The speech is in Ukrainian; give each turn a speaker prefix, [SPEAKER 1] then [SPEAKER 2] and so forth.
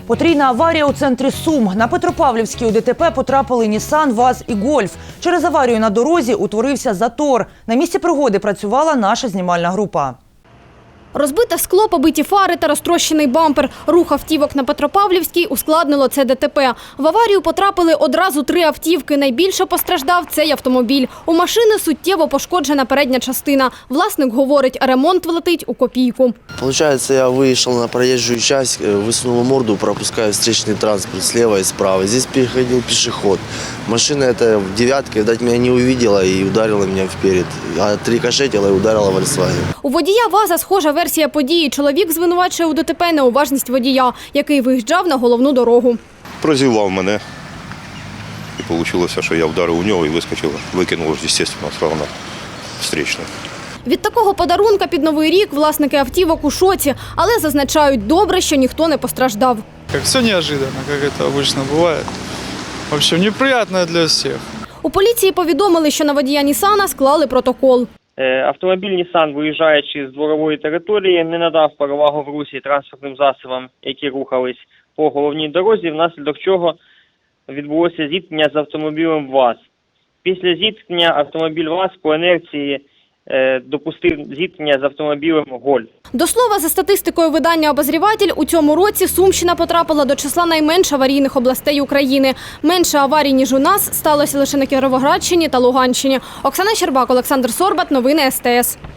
[SPEAKER 1] Потрійна аварія у центрі Сум. На Петропавлівській у ДТП потрапили Нісан, ВАЗ і Гольф. Через аварію на дорозі утворився затор. На місці пригоди працювала наша знімальна група.
[SPEAKER 2] Розбите скло, побиті фари та розтрощений бампер. Рух автівок на Петропавлівській ускладнило це ДТП. В аварію потрапили одразу 3 автівки. Найбільше постраждав цей автомобіль. У машини суттєво пошкоджена передня частина. Власник говорить, ремонт влетить у копійку.
[SPEAKER 3] Получается, я вышел на проезжую часть, высунул морду, пропускаю встречный транспорт слева и справа. Здесь переходил пешеход. Машина эта в девятке, видать, меня не увидела и ударила меня вперед. А рикошетила и ударила Volkswagen.
[SPEAKER 2] У водія ВАЗа схожа версія події. Чоловік звинувачує у ДТП неуважність водія, який виїжджав на головну дорогу.
[SPEAKER 4] Прозівав мене. І вийшло, що я вдарив у нього і вискочив, викинув, звісно, одразу на встречну.
[SPEAKER 2] Від такого подарунка під Новий рік власники автівок у шоці, але зазначають, добре, що ніхто не постраждав.
[SPEAKER 5] Все неожиданно, як це обычно буває. В общем, неприємно для всіх.
[SPEAKER 2] У поліції повідомили, що на водія Нісана склали протокол.
[SPEAKER 6] Автомобіль Нісан, виїжджаючи з дворової території, не надав перевагу в русі транспортним засобам, які рухались по головній дорозі, внаслідок чого відбулося зіткнення з автомобілем ВАЗ. Після зіткнення автомобіль ВАЗ по інерції допустив зіткнення з автомобілем Гольф.
[SPEAKER 2] До слова, за статистикою видання «Обозріватель», у цьому році Сумщина потрапила до числа найменш аварійних областей України. Менше аварій, ніж у нас, сталося лише на Кіровоградщині та Луганщині. Оксана Щербак, Олександр Сорбат. Новини СТС.